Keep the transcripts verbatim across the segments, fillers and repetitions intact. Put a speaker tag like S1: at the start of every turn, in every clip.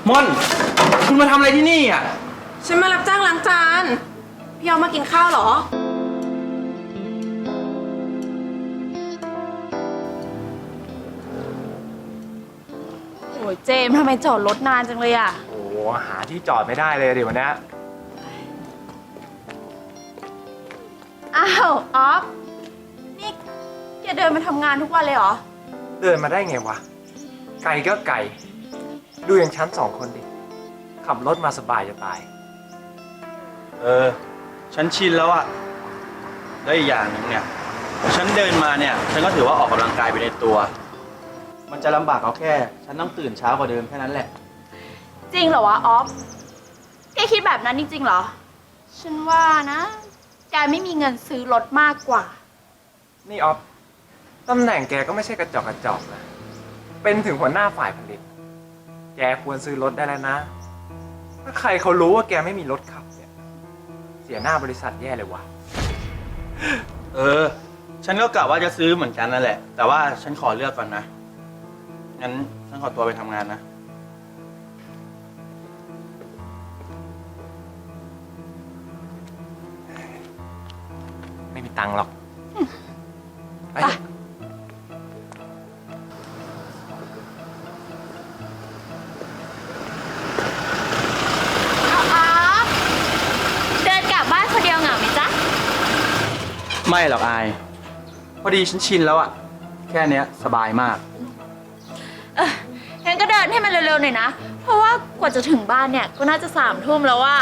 S1: ม่อน คุณมาทำอะไรที่นี่อ่ะ
S2: ฉันมารับจ้างล้างจานพี่เอามากินข้าวเหรอ
S3: โอ้ยเจมส์ทำไมจอดรถนานจังเลยอ่ะ
S1: โอ้หาที่จอดไม่ได้เลยเดี๋ยววันนี้
S3: อ้าวออฟนี่แกเดินมาทำงานทุกวันเลยเหรอ
S1: เดินมาได้ไงวะไกลก็ไกลดูอย่างฉันสองคนดิขับรถมาสบายจะตาย
S4: เออฉันชินแล้วอะได้อีกอย่างหนึ่งเนี่ยฉันเดินมาเนี่ยฉันก็ถือว่าออกกำลังกายไปในตัวมันจะลำบากเอาแค่ฉันต้องตื่นเช้ากว่าเดิมแค่นั้นแหละ
S3: จริงเหรอวะออฟแกคิดแบบนั้นจริงๆเหรอฉันว่านะแกไม่มีเงินซื้อรถมากกว่า
S1: นี่ออฟตำแหน่งแกก็ไม่ใช่กระจอกกระจอกนะเป็นถึงหัวหน้าฝ่ายผลิตแกควรซื้อรถได้แล้วนะถ้าใครเขารู้ว่าแกไม่มีรถขับเนี่ยเสียหน้าบริษัทแย่เลยวะ
S4: เออฉันก็กะว่าจะซื้อเหมือนกันนั่นแหละแต่ว่าฉันขอเลือกก่อนนะงั้นฉันขอตัวไปทำงานนะ
S1: ไม่มีตังค์หรอกไป
S3: เดินกลับบ้านคนเดียวเหงาไหมจ๊ะ
S4: ไม่หรอกอายพอดีฉันชินแล้วอะแค่เนี้ยสบายมาก
S3: เอองั้นก็เดินให้มันเร็วๆหน่อยนะเพราะว่ากว่าจะถึงบ้านเนี่ยก็น่าจะสามทุ่มแล้วว่า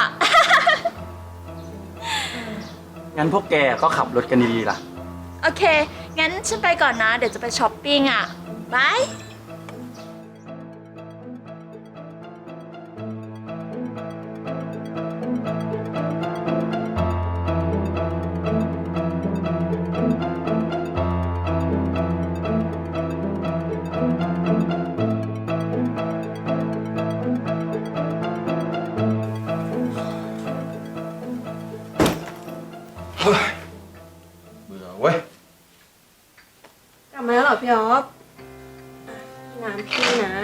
S4: งั้นพวกแกก็ขับรถกันดีๆล่ะ
S3: โอเคงั้นฉันไปก่อนนะเดี๋ยวจะไปช้อปปิ้งอ่ะบาย
S4: เบื่อเว้ย
S2: กลับมาแล้วเหรอพี่ออฟน้ำพี่นะ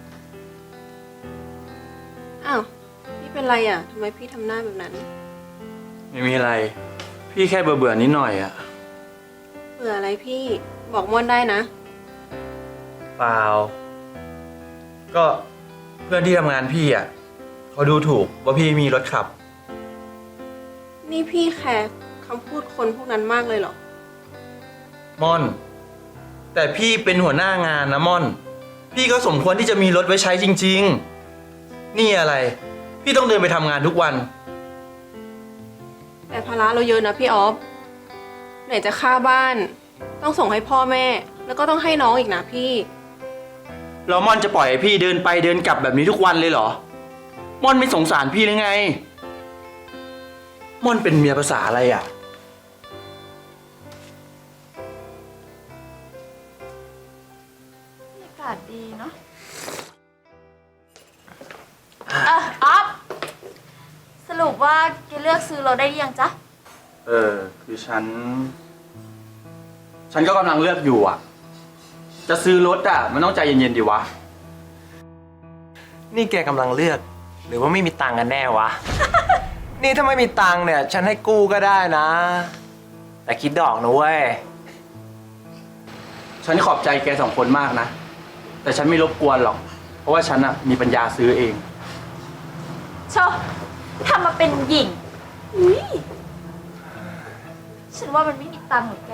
S2: อ้าวพี่เป็นไรอ่ะทำไมพี่ทำหน้าแบบนั้น
S4: ไม่มีอะไรพี่แค่เบื่อเบื่อนิดหน่อยอะ
S2: เบื่ออะไรพี่บอกม่อนได้นะ
S4: เปล่าก็เพื่อนที่ทำงานพี่อะเขาดูถูกว่าพี่มีรถขับ
S2: นี่พี่แคร์คำพูดคนพวกนั้นมากเลยเหรอ
S4: ม่อนแต่พี่เป็นหัวหน้างานนะม่อนพี่ก็สมควรที่จะมีรถไว้ใช้จริงๆนี่อะไรพี่ต้องเดินไปทำงานทุกวัน
S2: แต่ภาระเราเยอะนะพี่ออฟไหนจะค่าบ้านต้องส่งให้พ่อแม่แล้วก็ต้องให้น้องอีกนะพี่
S4: แล้วม่อนจะปล่อยให้พี่เดินไปเดินกลับแบบนี้ทุกวันเลยเหรอม่อนไม่สงสารพี่หรือไงม่อนเป็นเมียภาษาอะไรอ่ะ
S3: อากาศดีเนาะเออออฟสรุปว่าแกเลือกซื้อรถได้ยังจ๊ะ
S4: เออคือฉันฉันก็กำลังเลือกอยู่อ่ะจะซื้อรถอ่ะมันต้องใจเย็นๆดีวะ
S1: นี่แกกำลังเลือกหรือว่าไม่มีตังค์กันแน่วะ นี่ถ้าไม่มีตังค์เนี่ยฉันให้กู้ก็ได้นะแต่คิดดอกนะเว้ย
S4: ฉันขอบใจแกสองคนมากนะแต่ฉันไม่รบกวนหรอกเพราะว่าฉันอ่ะมีปัญญาซื้อเอง
S3: ชอบทำมาเป็นหญิงอุ้ยฉันว่ามันไม่มีตังค์หรอกแก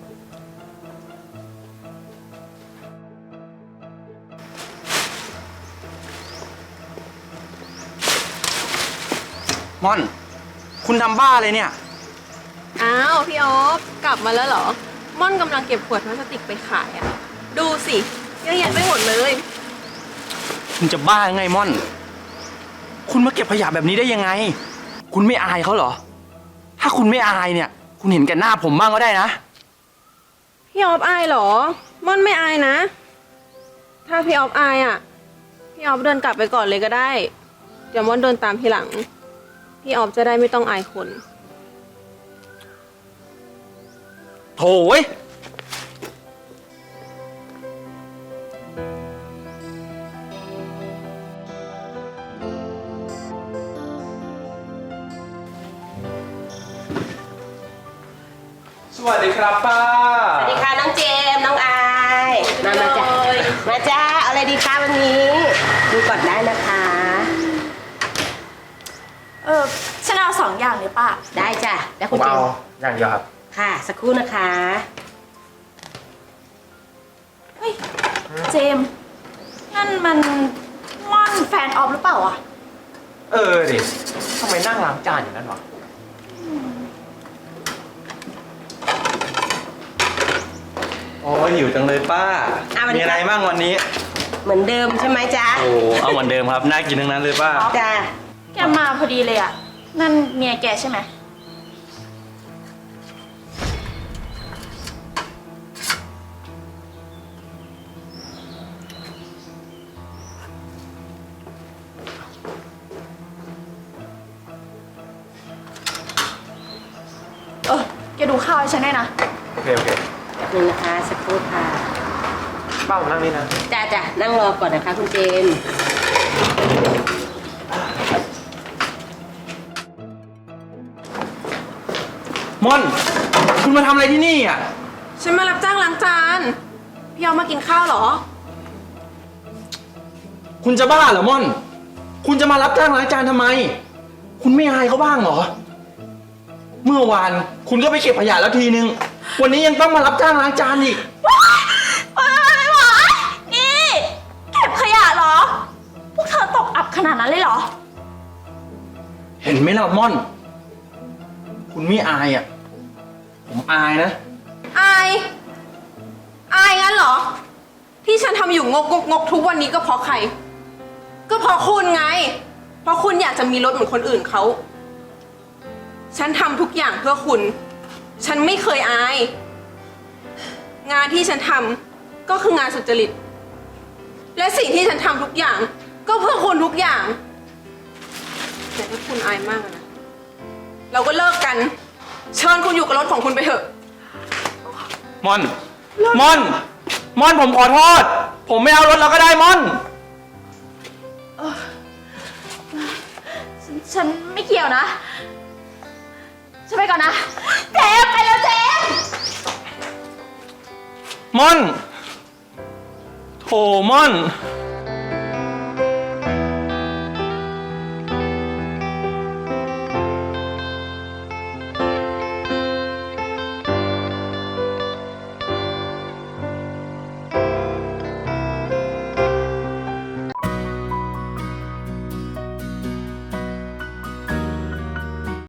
S4: ม่อนคุณทำบ้าเลยเนี่ย
S2: อ้าวพี่ออฟกลับมาแล้วเหรอม่อนกำลังเก็บขวดพลาสติกไปขายอ่ะดูสิเยอะแยะไปหมดเลย
S4: คุณจะบ้าไงม่อนคุณมาเก็บขยะแบบนี้ได้ยังไงคุณไม่อายเขาเหรอถ้าคุณไม่อายเนี่ยคุณเห็นแก่หน้าผมบ้างก็ได้นะ
S2: พี่ออฟอายเหรอม่อนไม่อายนะถ้าพี่ออฟอายอ่ะพี่ออฟเดินกลับไปก่อนเลยก็ได้เดี๋ยวม่อนเดินตามทีหลังพี่ออฟจะได้ไม่ต้องอายคน
S4: โถ่เว้ย
S2: พ
S1: วัสดีครับป้า
S5: สวัสดีค่ะน้องเจมส์น้องอายมามาจ้ามาจ้าเอาอะไรดีคะวันนี้ดูก่อนได้นะคะ
S3: เออฉันเอาสองอย่างเลยป้า
S5: ได้จ้ะแล้ว
S1: ผ
S5: คุณ
S1: ม
S5: เจ
S1: เอา
S5: มส์
S1: อย่างเดียวครับ
S5: ค่ะสักครู่นะคะ
S3: เฮ้ย เจมส์นั่นมันม่อนแฟนออฟหรือเปล่าอ่ะ
S1: เออดิทำไมนั่งล้างจานอย่างนั้นวะ
S4: โอ้ยหิวจังเลยป้า มีอะไรบ้างวันนี้
S5: เหมือนเดิมใช่ไหมจ๊ะ
S4: โอ้เอาเหมือนเดิมครับ น่ากินทั้งนั้นเลยป้า
S5: จ้า
S3: แกมาพอดีเลยอ่ะ นั่นเมียแกใช่ไหม เออ แกดูข้าวให้ฉันด้วยนะ
S1: โอเคโอเค
S5: หนึ่งนะคะสักครู่ค่ะ
S1: ป้าผมนั่งนี่นะ
S5: จ้าจ้ะนั่งรอก่อนนะคะคุณเจมส์
S4: ม่อน คุณมาทำอะไรที่นี่อ่ะ
S2: ฉันมารับจ้างล้างจาน พี่ออฟมากินข้าวเหรอ
S4: คุณจะบ้าเหรอม่อน คุณจะมารับจ้างล้างจานทำไม คุณไม่อายเขาบ้างเหรอ เมื่อวานคุณก็ไปเก็บขยะแล้วทีนึง วันนี้ยังต้องมารับจ้างล้างจานอีก
S3: ว้ายว้ายนี่ เก็บขยะเหรอ พวกเธอตกอับขนาดนั้นเลยเหรอ
S4: เห็นไหมล่ะม่อน คุณไม่อายอ่ะ ผมอายนะ
S2: อาย อายงั้นเหรอ ที่ฉันทำอยู่งกงกงกทุกวันนี้ก็เพราะใคร ก็เพราะคุณไง เพราะคุณอยากจะมีรถเหมือนคนอื่นเขา ฉันทำทุกอย่างเพื่อคุณ ฉันไม่เคยอาย งานที่ฉันทำก็คืองานสุจริต และสิ่งที่ฉันทำทุกอย่าง ก็เพื่อคุณทุกอย่างแต่ถ้าคุณอายมากอะนะ เราก็เลิกกัน เชิญคุณอยู่กับรถของคุณไปเถอะ
S4: ม่อน ม่อน ม่อนผมขอโทษ ผมไม่เอารถเราก็ได้ม่อน
S3: ฉันฉันไม่เกี่ยวนะ ฉันไปก่อนนะ เจมส์ไปแล้วเจมส์
S4: ม่อน โถม่อน
S3: เ